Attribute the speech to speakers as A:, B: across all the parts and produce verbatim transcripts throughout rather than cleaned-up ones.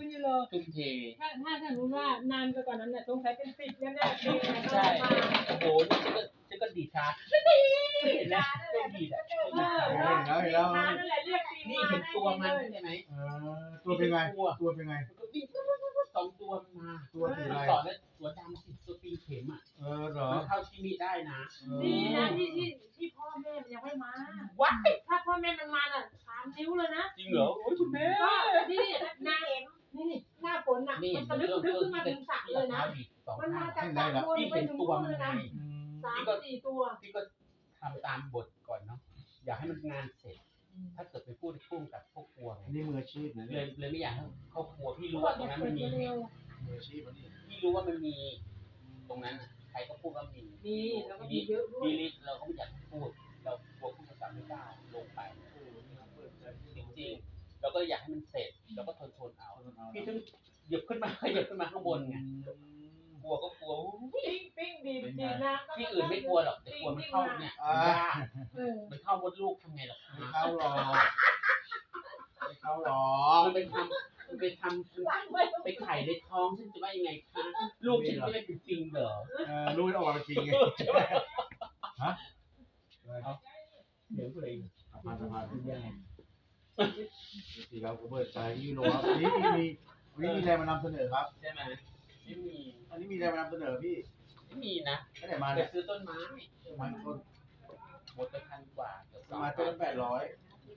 A: พี่ยูโรทุ่มเทถ้าถ้าถ้ารู้ว่านานไปกว่านั้นเนี่ยสงสัยเป็นสิบแน่ๆปีนะใช่โอ้โหนี่ฉันก็ฉันก็ดีช้าดีเห็นไหมก็ดีแหละเห็นแล้วเห็นแล้วนี่เห็นตัวมันใช่ไหมเออ
B: ตัวเป็นไงตัวเป็นไง
A: สองตัวมันมา
B: ตัวสีอะไร
A: ต่อแล้วตัวดำสิตัวปีเข็มอ่ะ
B: เออเหรอ
A: มันเข้าที่นี่ได้นะ
C: ดีนะที่ที่ที่พ่อแม่มันยังไม่มา
A: วัด
C: ถ้าพ่อแม่มันมาอ่ะสามนิ้วเลยนะ
A: จริงเหรอโอ้ยคุณแม่
C: ก็นี่หน้าเอ็มนี่หน้าฝนอ่ะมันตะลึกลึกขึ้นมาถึงสระเลยนะมันมาจากสระบนไปถึงตัวเลยนะสามสี่ตัว
A: พี่ก็ทำตามบทก่อนเนาะอยากให้มันงานเสร็จถ้าเกิดไปพูดพุ่งกับพวกครัว
B: นี่มืออาชีพนะ
A: เลยเลยไม่อยากให้เขาครัวพี่รู้ว่าตรงนั้นมันมี
B: มืออาชีพนี่
A: พี่รู้ว่ามันมีตรงนั้นใครก็พูดว่ามี
C: มีแล้วก็มีเยอะด้วย
A: พี่ลิศเราก็ไม่อยากพูดเรากลัวพูดภาษาไม่กล้าลงไปจริงๆเราก็อยากให้มันเสร็จเราก็ทนทนเอาพี่ถึงหยิบขึ้นมาหยิบขึ้นมาข้างบนไงกลัวก็กลัว
C: ปิ้งปิ้งดีดีนะ
A: ที่อื่นไม่กลัวหรอกแต่กลัวมันเข้าเนี่ยมันเข้ามดลูกทำไงล่ะ
B: ไม่เข้าหรอกไม่เข้าหรอ
A: กมันไปทำมันไปทำไปไข่ในท้องฉันจะว่ายังไงคะลูกฉันไม่ได้เป็นจริงเหรอ
B: เออลูกออกมาจริงไงฮะ
A: เดี๋ยวเลย
B: ผ่านผ่านที่ยังสี่เราเปิดใจยูโรครับนี่มีนี่มีอะไรมานำเสนอครับ
A: ใช่ไหมไม่มี
B: อันนี้มีอะไรมานำเสนอพี่
A: ไม่มีนะ
B: ไม่ได้มา
A: เนี่ยซื้อต้นไม้
B: ต้นต้น
A: หมดไปพันกว่า
B: มาต้นแปดร้อย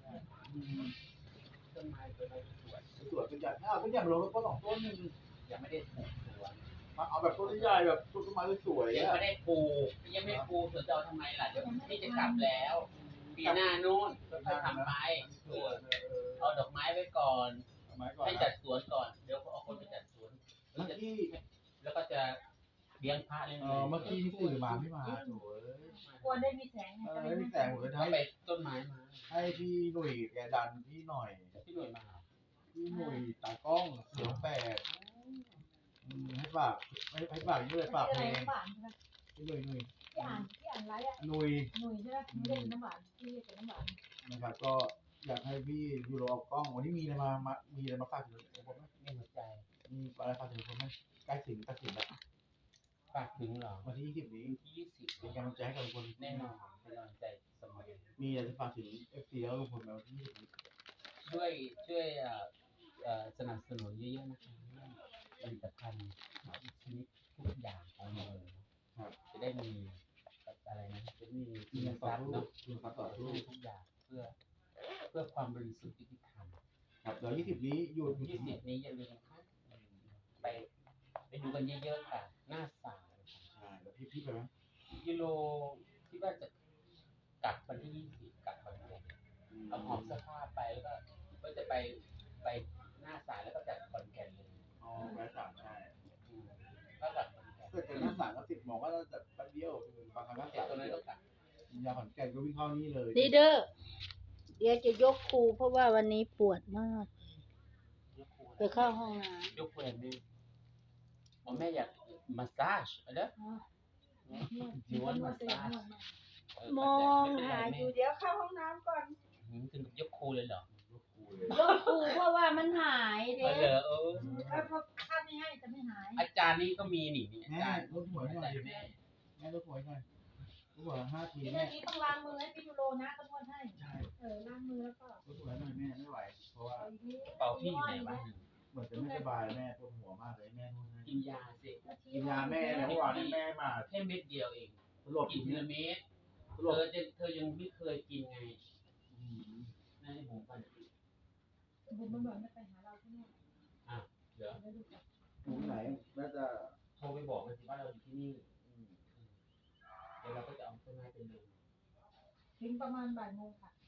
A: ต้นไม้ต้นไม้สวย
B: สวยเป็นใหญ่อ้าวเป็นใหญ่ลงแล้วก็สองต้นนึง
A: ยังไม่ได้ปลูกสวน
B: เอาแบบต้นใหญ่แบบต้นไม้สวย
A: ยังไม่ได้ปลูกยังไม่ปลูกสวนจะเอาทำไมล่ะเดี๋ยวพี่จะกลับแล้วปีหน้านู่นค่อยทำไปสวนเอาดอกไม้ไว้ก่อนให้จัดสวนก่อนเดี๋ยวเอาคนไปจัดสวนแล้วจะแล้วก็จะเลี้ยงพระเลี้ยงอะไร
B: เมื่อกี้ที่สื่อมาไม่มาโถ่
C: กลัวได้มีแสง
B: ได้มีแสงผมเลย
A: ให้ไปต้นไม้มา
B: ให้พี่หนุ่ยแกดันพี่หน่อย
A: พี่หนุ่ยมา
B: พี่หนุ่ยตากล้องเสียงแปดให้ฝากให้ให้ฝากด้วยฝากเพลงพี่หนุ่ยหนุ่ย
C: ที่อ่านที่อ่านไรอ่ะ
B: หนุ่ย
C: หนุ่ยใช่ไหมไม่ได้น้ำหวานที่เรียกเป็นน้ำหวาน
B: นะครับก็อยากให้พี่ยูโรเอากล้องวันนี้มีอะไรมามามีอะไรมาฝากถึงผมไหม
A: มีหัวใจ
B: มีอะไรฝากถึงผมไหมใกล้ถึงตัดสินแล้ว
A: ฝากถึงเหรอ
B: วันที่ยี่สิบนี้
A: ที่ยี่สิบ
B: เป็นกำลังใจให้กับทุกคน
A: แน่นอนเป็นกำลังใจเสมอ
B: มีอะไรจะฝากถึงเอฟซีแล้วทุกคนไหมวันที่ยี่สิบนี้
A: ช่วยช่วยสนับสนุนเยอะๆนะคะผลิตภัณฑ์ชนิดทุกอย่างของเราจะได้มีอะไรนะจะมี
B: มีเงินต่อสู้มีเงินต่อสู้
A: ทุกอย่างเพื่อเพื่อความบริสุทธิ์ยุติธรรม
B: ครับเดี๋ยวยี่สิบนี้อยู่
A: ยี่สิบนี้อย่าลืมครับไปไปดูกันเยอะๆค่ะหน้าสาว
B: ใช่แล้วพี่พี่ไปไหม
A: ยูโรที่ว่าจะกลับวันที่ยี่สิบกลับวันนี้เอาหอมเสื้อผ้าไปแล้วก็ก็จะไปไปหน้าสายแล้วก็จัดคอนแกนเลย
B: อ๋อไปสามใช่
A: ก็กลับ
B: เกิดจากหน้าสายก็ติดหมอว่าจะแป๊บเดียวบางครั้งก็
A: จัดตัวนั้นก็กลับ
B: ยาขอนแก่นก็วิ่งเข้านี่เลย
D: ดีเด้อเดี๋ยวจะยกครูเพราะว่าวันนี้ปวดมากไปเข้าห้องน้
A: ำยกครูแม่ผมแม่อยากมาสซาจอะไร
D: จีวันมาสซาจมองหาอยู่เดี๋ยวเข้าห้องน้ำก่อน
A: ถึงยกครูเลยเหรอย
D: กครูเพราะว่ามันหายเด้
A: อเออ
C: เพราะถ้าไม่ให้จะไม่หาย
A: อาจารย์นี่ก็มีนี่
B: อาจารย์รถหวยหน่อยแม่แม่รถหวยหน่อยรถหวยห้าที
C: แม่นี้ต้องล้างมือให้พี่ยูโรนะก็นวดให้
B: ใช่
C: เออล้างมือแล้วก็
B: รถหวยหน่อยแม่ไม่ไหวเพราะว่า
A: เป่าพี่อยู่ไหนบ้าง
B: เหมือนจะไม่สบายแม่ปวดหัวมากเลยแม่นู่น
A: กินยาสิ
B: กินยาแม่แล้วเมื่อวานแม่มา
A: แค่เม็ดเดียวเอง
B: หลบ
A: กินทีละเม็ดเธอจะเธอยังไม่เคยกินไงนั่นให้ผมฟัง
C: ผมมันบอกไม่ไปหาเราที่นี่
A: อ่ะเดี๋ยว
B: ถึงไหนแม่จะ
A: โทรไปบอกเลยสิว่าเราอยู่ที่นี่เดี๋ยวเราก็จะเอาต้นไม้เป็นเลย
C: ถึงประมาณบ่ายโมงค่ะ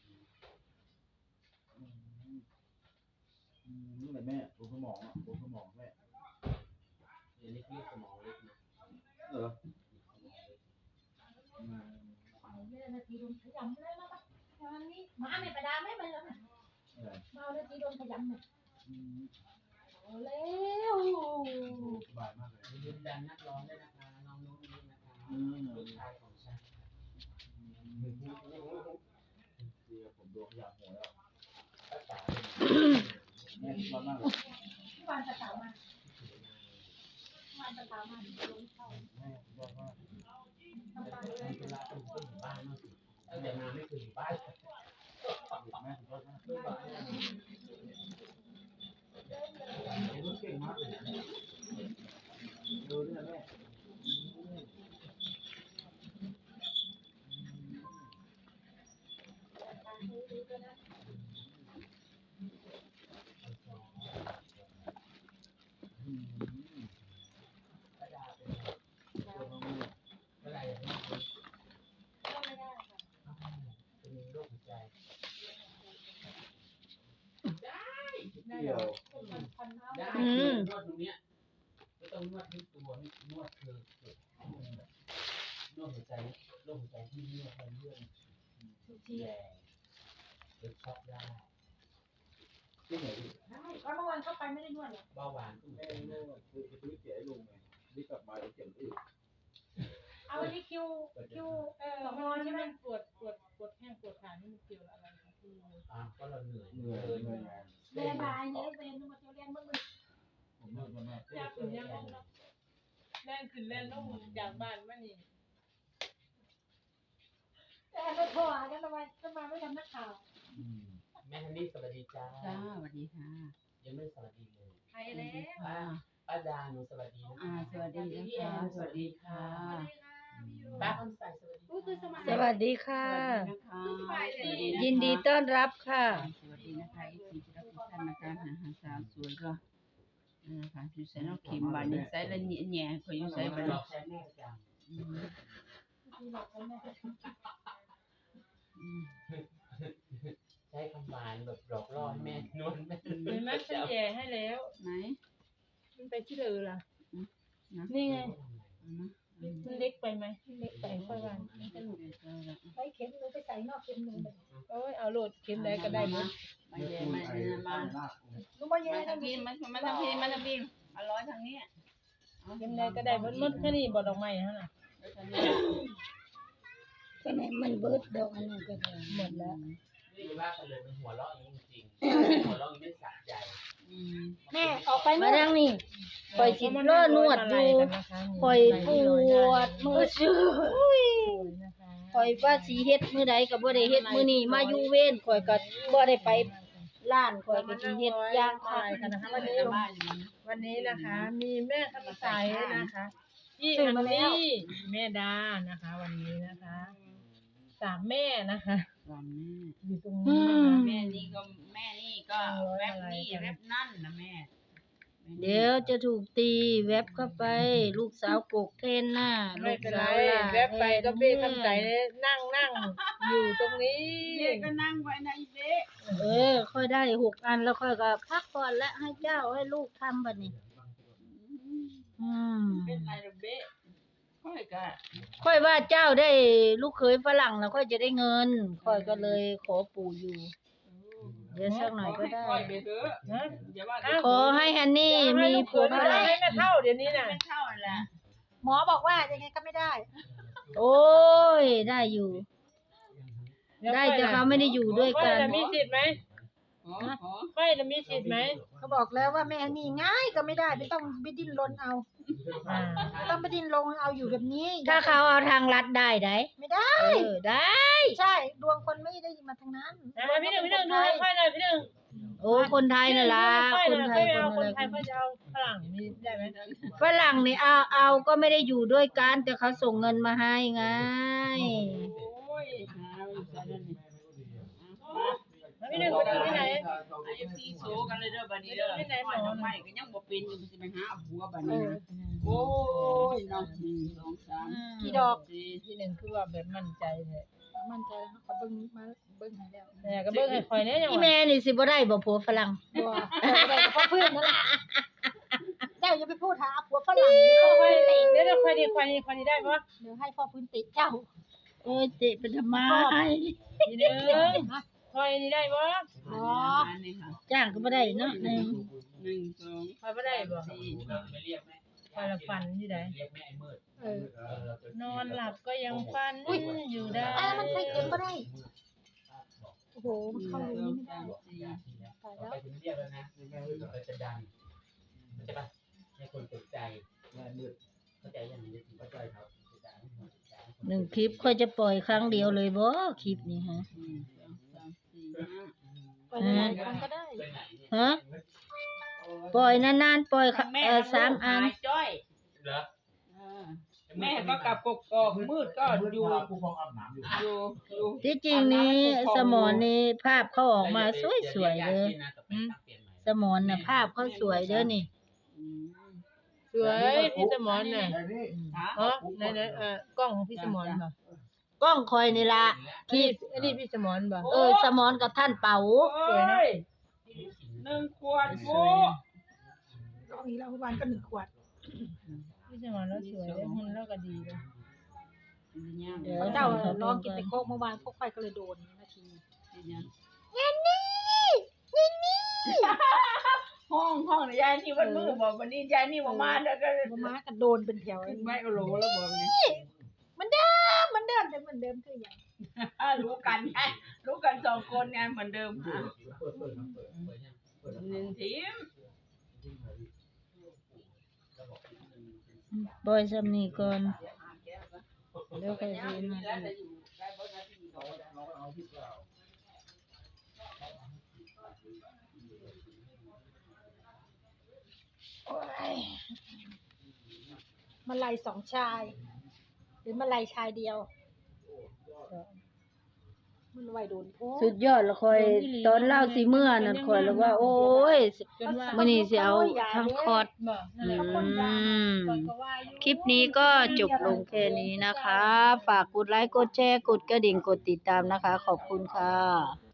B: นี่แหละแม่ปวดสมองอ่ะปวดสมองแม่
A: เดี๋ยวนี้พี่สมองเล็กนะ
B: เหรอ
C: ไม่ได้นาทีโดนขยำเลยแล้วปะงานนี้หมาไม่ประดาไม่ไปแล้วนะมานาทีโดนขยำเนี่ยโอ้แล้ว
B: สบายมากเลย
A: ยืนยันนักร้องได้นะคะน้องนุ้งนี้นะคะลูกชายของฉัน
B: เดี๋ยวผมโดนขยำหัวแล้วแม่ร้อนมากเลย
C: ที่บ้านจะถามมาบ้านจะถามมาลงเข้า
B: แม่ยอดมาก
C: ทำการ
A: เวลาเป็นคนอยู่บ้านนู่นสิตั้งแต่มาไม่เคยอยู่บ้าน
B: แม่ยอดมากเก่งมากเลยดูด้วยแม่เวลาอย่างนี้เป็นโรคหัวใจเกี่ยว
A: ได้นวดตรงเนี้ยไม่ต้องนวดที่ตัวนวดคือนวดหัวใจโรคหัวใจที่นวดมันเรื่องแย่หรือช็อกได้
B: ที่ไหนดิ
C: แล้วเมื่อวานเข้าไปไม่ได้นวดหรอ
A: เบาหวานก็เหมือน
B: แม่
A: กัน
B: แม่คือคือเสียให้ลุงไงนี่กลับมาเจ็บอึด
C: เอาอันนี้คิวคิวเออ
E: สอง
C: น
E: วั
C: อน
E: น
C: ใช่
E: ที่
C: ไหม
E: มันปวดปวดปวดแข้งปวดขานี่มันเกี่ยวอะไรกับที่
A: อ่าก็เราเหนื่อย
B: เหนื่อยเหนื่อยงาน
C: เรียนบายเนี่ยเรียนมาเรียนเมื่อ
B: ผมเลิกแล้วแม่
E: อยากถึงยังไงแล่นขึ้นแล่นลงจากบ้านมานี่
C: แต่เราโทรหากันทำไมทำไมไม่ทำนักข่าว
A: แม่ฮันนี่สวัสดีจ้า
F: จ้าสวัสดีค่ะ
A: ยังไม่สวัสดีเลย
C: ไปแล้ว
A: ป้าป้าดาหนูสวัสดีนะ
F: อ่า สวัสดีนะคะ สวัสดีค่ะ
A: ป้าคำใสสวัสดี
C: อุ้ยคือสมัย
D: สวัสดีค่ะ
F: สวัสดีนะคะ
D: ยินดีต้อนรับค่ะ
F: สวัสดีนะคะอีกทีที่รับทุกท่านนะคะหาหาสาวสวยก็นะคะอยู่ใส่นอกเข็มบานนี้ใส่ละเนียแหน่ขออยู่ใส่
A: ไป
F: บาน
A: หล
F: นี้
A: อกใช้แม่ประจ
F: อืมอืม
A: ำใช้คำหวานแบบหลอกล่อให้แม่นวดแม่
E: เห็นไหมฉันแย่ให้แล้ว
F: ไหน
E: มันไปที่เดือล่ะ
F: นะ
E: นี่ไง
F: เอานะอืม
E: มันเล็กไปไหมมันเล็กไปค่อยว่ามันจะหลุด
F: เดี๋ยวเจอละ
C: ไปเข็มหนูไปใส่นอกเข็มหนูเลย
E: โอ้ยเอาโหลดเข็มใดก็ได้หมด
F: มาเย็นมาเย็นมา
C: หนูมาแย่
F: มา
C: กั
F: ทาน งนี้มามาทางนี้มาทางนี้อร่อยทางนี้
E: เข็มใดก็ได้หมดหมดแค่นี้บ่ดอกไม้ฮะน่ะ
F: ทางนี้
D: ก็ไหนมันเบิดดอกอันนั้นก็ได้
E: หมดแล้ว
A: นี่ว่ากันเลยมันหัวเราะอย่างนี้จริงๆหัวเราะอย่างนี้ไม่สะใจ
F: อืม
C: แม่ออกไป
D: มา
C: นู่น
D: ดังนี่ ปล่อยสิเลิศนวดอยู่ คอยปวดมือชื่อคอยว่าสิเฮ็ดมื้อใดก็บ่ได้เฮ็ดมื้อนี้มาอยู่เว้นคอยก็บ่ได้ไปร้านคอยก็สิเฮ็ดอย่างคัก
E: กันนะคะ
F: วั
E: วัน น
F: นี้
E: นี้
F: บ้านอยู่
E: วันนี้นะคะ มีแม่คำใสนะคะพี่อันนี่แม่ดานะคะ วันนี้นะคะสามแม่นะคะ
F: วันแม่
E: อยู่ตรงนี้นะคะ
F: แม่นี่ก็แม่นี่ก็แรปนี่แรปนั่นนะแม่
D: เดี๋ยวจะถูกตีแวบเข้าไป ลูกสาวกกเทนหน้า
E: ไม่
D: ลูก
E: เป็นไร
D: สาวล่ะ
E: แวบไปก็เบ้คำใสนั่งนั่งอยู่ตรงนี้
F: เด็กก็นั่งไว้นะอีเด็ก
D: เออ ค่อยได้หกอันแล้วค่อยก็พักก่อนและให้เจ้าให้ลูกทำบัดนี้ อืม
F: เป็นไรหรอเบ๊ค่อยก็
D: ค่อยว่าเจ้าได้ลูกเขยฝรั่งแล้วค่อยจะได้เงิน ค่อยก็เลยขอปู่อยู่ เดี๋ยวสักหน่อยก็ได้
F: ค่อยไปเถอะ
E: นะ
F: อย่าว่า
D: ขอให้ฮันนี่มีผัว
E: ไม่
D: ฝ
E: ได้
D: รั่ง
E: ให้แม่เท่าเดี๋ยวนี้น่ะ
F: ไม่เท่าแหละ
C: หมอบอกว่ายังไงก็ไม่ได้
D: โอ้ย ได้อยู่ ได้แต่เขาไม่ได้อยู่ด้วย
E: ค่
D: กั
E: อย
D: น
E: จะมีสิทธิ์ไหม
F: ขอขอ
E: ค่อยจะมีสิทธิ์ไหม
C: เขาบอกแล้วว่าแม่นี่ง่ายก็ไม่ได้ไม่ต้องไปดิ้นรนเอา
E: อ่า
C: ไม่ต้องไปดิ้นรนเอาอยู่แบบนี้
D: ถ้าเขาเอาทางลัดได้ได้
C: ไม่ได้
D: เออได้
C: ใช่ดวงคนไม่ได้มาทางนั้น
E: นะพี่หนึ่งพี่หนึ่งดูให้ค่อยหน่อยพี่หนึ่ง
D: โอ้คนไทยน่ะล่ะ
E: ค่อย
D: คน
E: หน่อย
D: ไท
E: ค่อย
D: ย
E: ไม่
D: ค
E: เอา
D: น
E: คน
D: อะไร
E: ไทยค่อยจะเอาฝรั่งมีได้ไหม
D: ฝรั่งนี่เอาเอาก็ไม่ได้อยู่ด้วยกันแต่เขาส่งเงินมาให้ไง
F: โอ้ยหาอยู่ซะนั่นนี่
E: แล้วพี่หนึ่งไปดูที่ไหน
F: ไอ้ซีโซกันเลยเด้อบัดนี้เด้อค่อยทำไมก็ยังบ่เป็นอยู่สิไปหาผัวบัดนี้นะโอ้ยน้องหนึ่งสองสาม
C: กี่ดอก
F: สี่
E: พี่หนึ่งคือว่าแบบมั่นใจเลย
C: มั่นใจแล้วเขาเบิ้งมาเบิ้งให้แล้ว
E: แต่ก็เบิ่งให้คอยเนี่ยยัง
D: อี
E: ว่า
D: แม่นี่สิบ่ได้บ่ผัวฝรั่ง
C: บัวแต่พ่อเพื่อนนั่นแหละเจ้าอย่าไปพูดหาผัวฝรั่งเดี๋ยวพ่อ
E: ค่อย
C: พื้นติ
E: เดี๋ยวค่อยดีค่อยดีค่อยดีได้ปะ
C: เดี๋ยวให้พ่อพื้นติเจ้า
D: โอ้ยเตะเป็นทำไม
E: พี่หนึ่งค่อยดีได้ปะ
C: อ๋อ
F: อันนี้ค่ะ
D: จ้างก็บ่ได้เนาะหนึ่ง
F: หนึ่งสอง
E: ค่อยไม่ได้ปะ
F: สี่
A: ไม่เรียกแม่
E: ค่อยละฟันที่ไหน
A: เรียกแม่ไอ้มืด
C: เออ
E: นอนหลับก็ยังฟันอยู่ได้
C: อ่ะมันใส่เข็มก็ได้ โอ้โห
F: ห
C: มัน
F: นึ่ง
C: เข้า
F: ส
C: อย่าง
F: อง
C: นี้ไม่ได้
F: สามสี่
C: ตาย
A: ต่อ
C: แล้ว
A: ไปถึงเรียกแล้วนะเราจะดังคนตกใจ
B: แม่มืด
A: เข้าใจอย่างนี้
B: เข้าใจครับ
D: หนึ่งคลิปค่อยจะปล่อยครั้งเดียวเลยบ่คลิปนี้ฮะ
F: หนึ่งสองสามสี่ห้า
C: ไปไหนกันก็ได้
A: ไปไหนเนี่ย
D: ฮะปล่อยนานๆปล่อย
F: ทั้งแม่
D: เออ
F: ทั้ง
D: สาม
F: ลูก
D: อัน
F: หายจ้อย
A: เหรอ
F: เออแม่ก็กลับกกอกมืดก็อยู่
B: ผู้ฟองอาบน้ำอยู่
F: อยู่อยู่
D: ที่จริงนี้สมอนนี่ภาพเขาออกมาสวยๆเลยสมอนน่ะภาพเขาสวยเด้อนี่
F: อืม
E: สวยพี่สมอนน่ะ
B: แต่นี่
F: ฮะ
E: เออไหนๆเอ่อกล้องของพี่สมอนบ่
D: กล้องคอยนี่ล่ะ
E: ที่
D: ที่
E: อันนี้พี่สมอนบ่
D: เออสมอนกับท่านเป๋า
F: โอ้ยหนึ่งขวดโว้
C: รอบนี้เราวันก็หนึ่งขวด
E: พี่สมอนแล้วสวยเลยหุ่นแล้วก็ดีเลย
D: เดี๋ยว
C: เจ้าลองกินแต่โคกเมื่อวานพวกไฟก็เลยโดนนาที
F: ห้องห้องยายนี่วันมือบอกวันนี้ยายนี่บอกมาแล้วก็
C: มาม้าก็โดนเป็นแถว
F: ขึ้นไม่โอโหลแล้วบอกนี่
C: มันเดิมมันเดิมแต่เหมือนเดิมคืออย่าง
F: รู้กันไงรู้กันสองคนไงเหมือนเดิมค่ะ
B: เปิดเปิดเปิดเปิด
F: หนึ่งทีม
D: ปล่อยซำนี้ก่อนเดี๋ยวค่อยสิมา
B: เอาที่เปล่า
C: โอ้ยมาลายสองชาย หรือมาลายชายเดียว มันไวโดนโพ
D: สุดยอดละคอยตอนเล่าสิเมื่อนั่นคอยแล้วว่า โอ้ย
E: จนว่า
D: มื้อนี้สิเอาทั้งคอร์ส
E: บ่นั่นแหละ
D: อืม
E: คนก็ว่าอยู่
D: คลิปนี้ก็จบลงแค่นี้นะคะ ฝากกดไลค์ กดแชร์ กดกระดิ่ง กดติดตามนะคะ ขอบคุณค่ะ